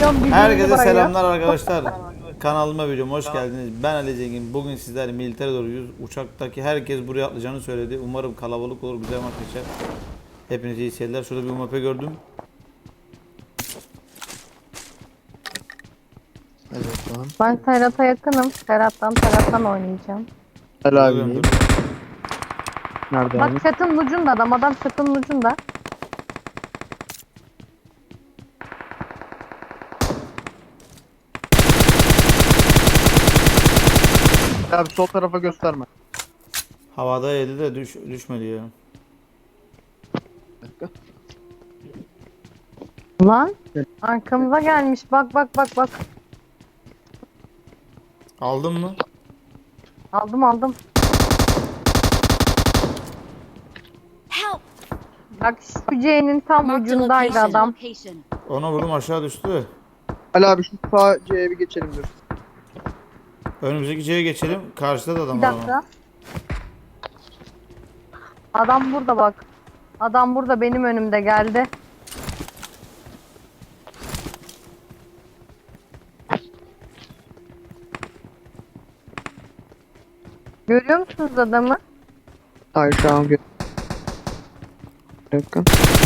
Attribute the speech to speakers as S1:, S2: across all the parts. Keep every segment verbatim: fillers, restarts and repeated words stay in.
S1: milyon bildiğinizi
S2: Herkese
S1: bırakıyor.
S2: selamlar arkadaşlar. Kanalıma videoma hoş geldiniz. Ben Ali Zengin. Bugün sizler militer doğruyuz. Uçaktaki herkes buraya atlayacağını söyledi. Umarım kalabalık olur, güzel maç geçer. Hepinize iyi seyirler. Şurada bir U M P gördüm.
S3: Evet tamam.
S1: Ben Serhat'a yakınım. Serhat'tan Serhat'tan oynayacağım.
S3: Helal
S2: Burada
S3: abi.
S2: gördüm.
S3: Nerede
S1: Bak
S3: abi?
S1: çatının ucunda adam. Adam çatının ucunda.
S3: Abi sol tarafa gösterme.
S2: Havada yedi de düş, düşmedi ya.
S3: Bir dakika.
S1: Lan
S3: Evet.
S1: arkamıza gelmiş. Bak bak bak bak.
S2: Aldın mı?
S1: Aldım aldım.
S4: Help!
S1: Bak şu C'nin tam
S4: Marked a
S1: ucundaydı
S4: location.
S1: adam.
S4: Location.
S2: Ona vurdum, aşağı düştü.
S3: Ali abi şu sağ C'ye bir geçelim dur.
S2: Önümüzdeki C'ye geçelim. Karşıda da adam
S1: Bir
S2: var ama.
S1: dakika. Adam burada bak. Adam burada benim önümde geldi. Görüyor musunuz adamı?
S3: Hayır şu an gö- Bir dakika.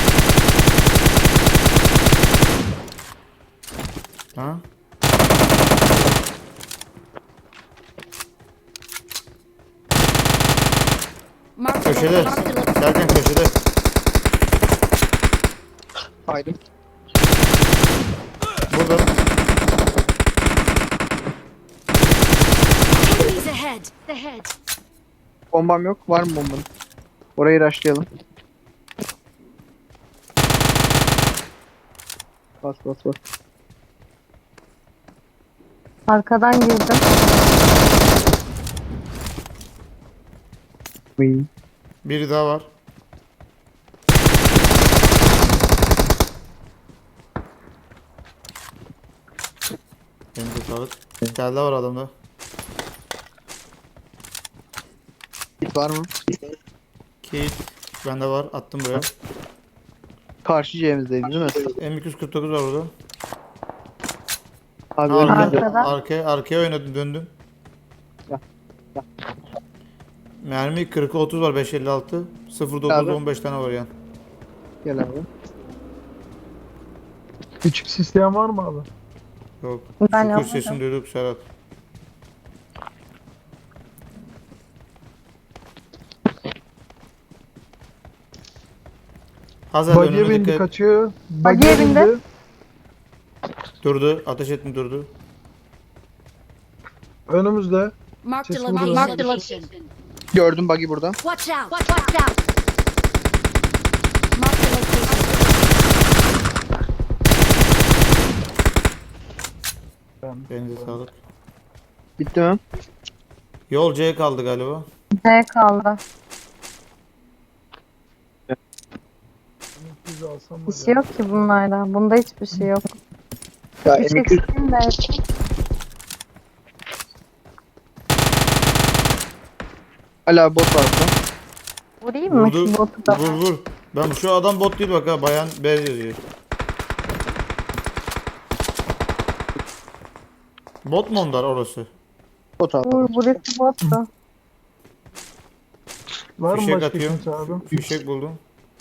S2: Ha?
S4: Marked a
S2: Köşede.
S4: location. Marked a location.
S2: Derken köşede.
S3: Haydi.
S2: Burada.
S4: Enemies ahead. Ahead.
S3: Bombam yok. Var mı bombanın? Orayı rushlayalım. Bas bas bas.
S1: Arkadan girdim.
S3: Uy.
S2: Biri daha var. Elinize sağlık. Bir tane daha var adamda.
S3: Hit var mı?
S2: Kit. Bende var. Attım buraya.
S3: Karşı C'mizdeydi değil mi?
S2: M iki yüz kırk dokuz var burada.
S3: Abi
S2: Ha,
S3: önümüzde.
S2: arkaya,
S1: Arkada.
S2: arkaya, arkaya oynadım, döndüm.
S3: Gel, gel.
S2: Mermi kırk otuz var, beş elli altı. sıfır dokuz
S3: Abi.
S2: on beş tane var yani.
S3: Gel abi.
S5: Küçük sistem var mı abi?
S2: Yok.
S1: Ben
S2: Şükür
S1: yapmadım.
S2: sesini duyduk Serhat. Hazır
S5: Bagiye
S2: önüne
S5: bindi
S2: dikkat.
S5: kaçıyor.
S1: Bagiye
S5: Bagiye
S1: bindi.
S5: bindi.
S2: Durdu. Ateş ettim, durdu.
S5: Önümüzde.
S4: Marked a
S5: Just
S4: location.
S5: moving.
S4: Marked a location.
S3: Gördüm buggy burada.
S4: Watch out. Watch, watch out. Marked a location.
S2: Elinize sağlık.
S3: Bitti mi?
S2: Yol C kaldı galiba.
S1: C kaldı.
S5: Biz alsam
S1: Bir şey yok ki bunlarda. Bunda hiçbir şey yok.
S3: Ya
S1: Bir şey
S3: M iki yüz
S1: sıkayım da.
S3: Ali abi bot var burada.
S1: Vurayım mı
S2: Vurdu.
S1: şu botu da?
S2: Vur vur. Ben şu adam bot değil bak ha. Bayan B yazıyor. Bot mu onlar orası?
S3: Bot abi.
S1: Vur burası bottu.
S5: var mı
S2: Fişek
S5: başka
S2: atıyorum.
S5: kimse abi?
S2: Fişek buldum.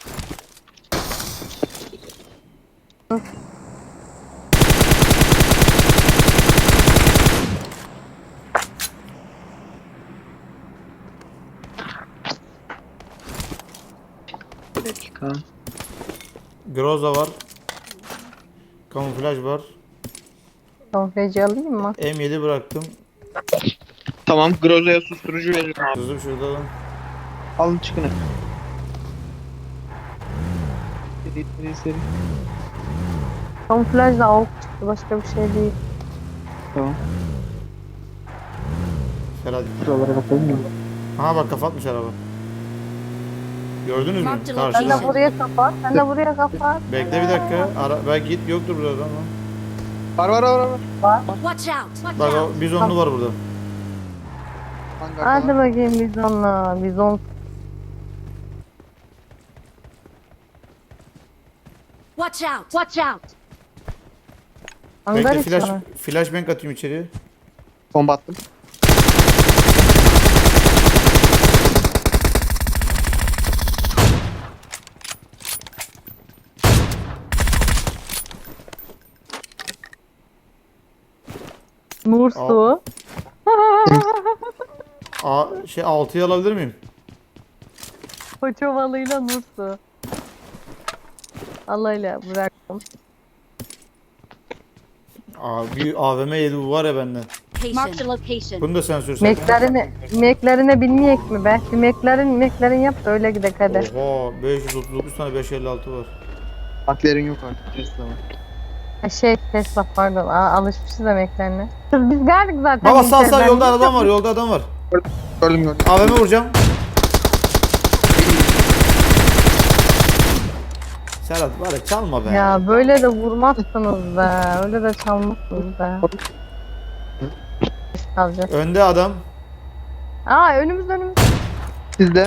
S3: Bir dakika.
S2: Groza var. Kamuflaj var.
S1: Konfeci alayım mı?
S2: M yedi bıraktım.
S3: Tamam. Groza'ya susturucu veririm abi.
S2: Sızım şurada lan.
S3: Alın çıkın. Seri seri seri.
S1: Kamuflajla avuk çıktı. Başka bir şey değil.
S3: Tamam.
S2: Serhat.
S3: Şuralara bakalım mı?
S2: Aha bak, kapatmış araba. Gördünüz mü?
S4: Marked
S1: Sen
S2: Karşıda.
S1: de buraya kapat. Sen de buraya kapat.
S2: Bekle bir dakika. Ara belki git yoktur burada adam ama.
S3: Var var var var.
S4: Watch out. Watch
S2: Bak
S4: out.
S2: o bizonlu var burada.
S3: Hangarda
S1: Hadi
S3: var.
S1: bakayım bizonla. Bizon.
S4: Watch out. Watch out.
S1: Hangar
S2: Bekle
S1: içi
S2: flash,
S1: mi?
S2: flashbang atayım içeriye.
S3: Bomba attım.
S1: Nur su.
S2: Aa, şey altıyı alabilir miyim?
S1: Koça balığıyla nur su. Allah'ıyla bıraktım.
S2: Aa, bir A V M yedi bu var ya benden.
S4: Marked a location.
S2: Bunu da sen sürsen.
S1: Meklerine, meklerine binmeyek mi be? Bir meklerin, meklerin yap da öyle gidek hadi.
S2: Oha beş yüz otuz dokuz tane beş elli altı var.
S3: Baklerin yok artık. Tesla var.
S1: Ha, Şey Tesla pardon. Aa, alışmışız da meklerine. Biz geldik zaten.
S2: Baba sağ sağ
S1: Meklerden.
S2: yolda adam var yolda adam var.
S3: Gördüm gördüm.
S2: A V M vuracağım. Serhat var ya çalma be.
S1: Ya böyle de vurmazsınız be. Öyle de çalmazsınız be. Kalacak.
S2: Önde adam.
S1: Aa önümüz önümüz.
S3: Sizde.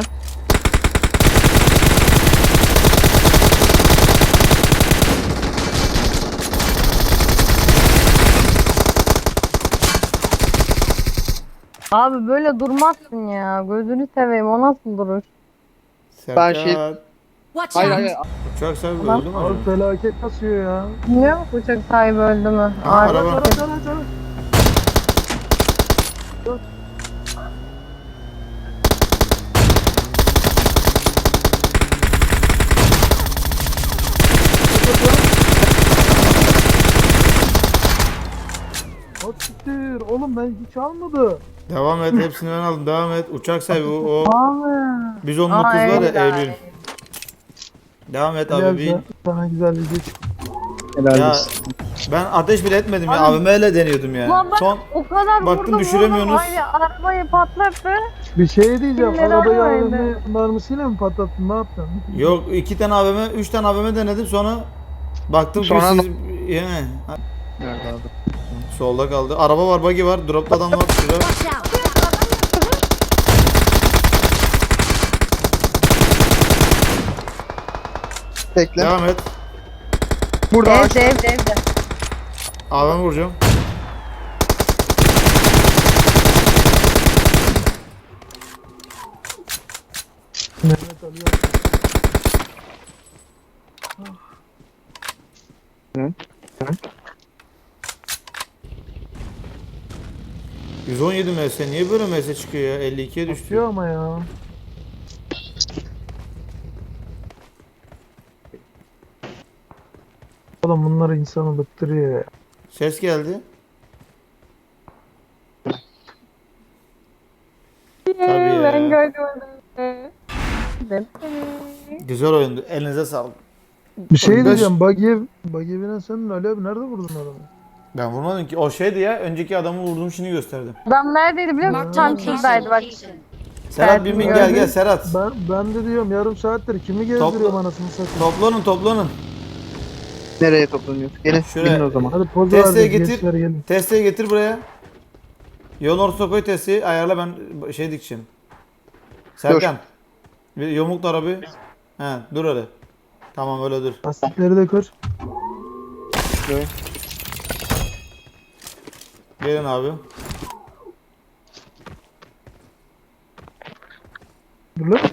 S1: Abi böyle durmazsın ya. Gözünü seveyim. O nasıl duruş?
S2: Serhat.
S3: şey-
S4: Watch
S3: Hayır
S4: out.
S3: hayır.
S2: Uçak sahibi
S1: Ulan.
S2: öldü mü
S5: Abi
S2: acaba?
S5: felaket kasıyor ya.
S1: Bilmiyor musun uçak sahibi öldü mü?
S2: Aha,
S1: Abi,
S2: araba.
S5: Ara ara ara. At siktir. Oğlum ben hiç almadı.
S2: Devam et hepsini ben aldım devam et. Uçak sahibi o. o.
S1: Abi.
S2: Biz on dokuz
S1: Aa,
S2: var ya
S1: Eylül.
S2: Eylül. Devam et
S5: Helal
S2: abi bin.
S5: sana- Sana güzel bir geç.
S3: Helal
S2: Ya
S3: olsun.
S2: ben ateş bile etmedim ya.
S1: Abi-
S2: A V M ile deniyordum ya.
S1: Ulan bak
S2: Son
S1: o kadar
S2: baktım
S1: vurdum
S2: düşüremiyorsunuz.
S1: vurdum. Ay, arabayı patlattı.
S5: Bir şey diyeceğim.
S1: Kimleri
S5: Arabayı
S1: aramaydı?
S5: A V M mermisiyle mi patlattın? Ne yaptın?
S2: yok iki tane A V M, üç tane A V M denedim sonra baktım ki
S3: Sonra
S2: siz
S3: da-
S2: yani
S3: Nerede abi?
S2: solda kaldı. Araba var, buggy var, dropta adam var şurada.
S4: Watch out.
S3: Bekle.
S2: Devam et.
S3: Burada ağaç.
S1: Evde evde evde.
S2: A V M vuracağım.
S5: Mehmet alıyor.
S3: Hı?
S2: yüz on yedi M S niye böyle M S çıkıyor ya? elli ikiye düştü.
S5: Atıyor ama ya. Oğlum bunlar insanı bıktırıyor ya.
S2: Ses geldi. Tabii ya.
S1: Ben görmedim.
S2: Güzel oyundu. Elinize sağlık.
S5: Bir şey
S2: Beş-
S5: diyeceğim. Buggy'e Buggy'e binen senin Ali abi nerede vurdun adamı?
S2: Ben vurmadım ki. O şeydi ya. Önceki adamı vurdum şimdi gösterdim.
S1: Adam neredeydi biliyor musun?
S4: Marked a
S1: Tam
S4: location.
S1: şuradaydı bak.
S2: Serhat bin bin gel
S1: gördüm.
S2: gel Serhat.
S5: Ben ben de diyorum yarım saattir kimi gezdiriyorum
S2: Topla-
S5: anasını satayım.
S2: Toplanın toplanın.
S3: Nereye toplanıyoruz? Gelin.
S2: Şuraya.
S3: Binin o zaman.
S5: Hadi poz
S2: Testeyi
S5: verdik
S2: getir.
S5: gençler gelin.
S2: Testeyi getir buraya. Yolun ortasına koy testeyi. Ayarla ben şey dikeceğim. Serkan. Bir yumrukla arabayı. He dur öyle. Tamam öyle dur.
S5: Lastikleri de kır.
S3: Şöyle.
S2: Gelin abi.
S5: Dur lan.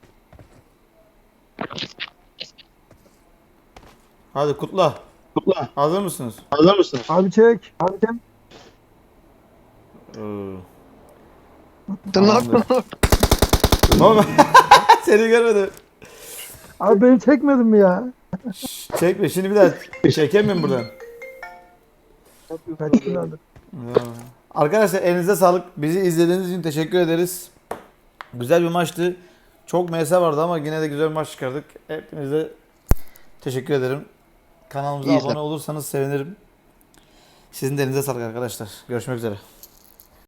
S2: Hadi kutla.
S3: Kutla.
S2: Hazır mısınız?
S3: Hazır mısın?
S5: Abi çek. Abi çek.
S2: Ee,
S3: Sen ne
S2: Tamamdır.
S3: yapıyorsun?
S2: Baba seni görmedim.
S5: Abi beni çekmedin mi ya?
S2: Çekme şimdi bir daha çekemiyorum buradan.
S5: Kaç gün aldı?
S2: Ya. Arkadaşlar elinize sağlık. Bizi izlediğiniz için teşekkür ederiz. Güzel bir maçtı. Çok M S vardı ama yine de güzel bir maç çıkardık. Hepinize teşekkür ederim. Kanalımıza
S3: İyi
S2: abone
S3: izle.
S2: olursanız sevinirim. Sizin de elinize sağlık arkadaşlar. Görüşmek üzere.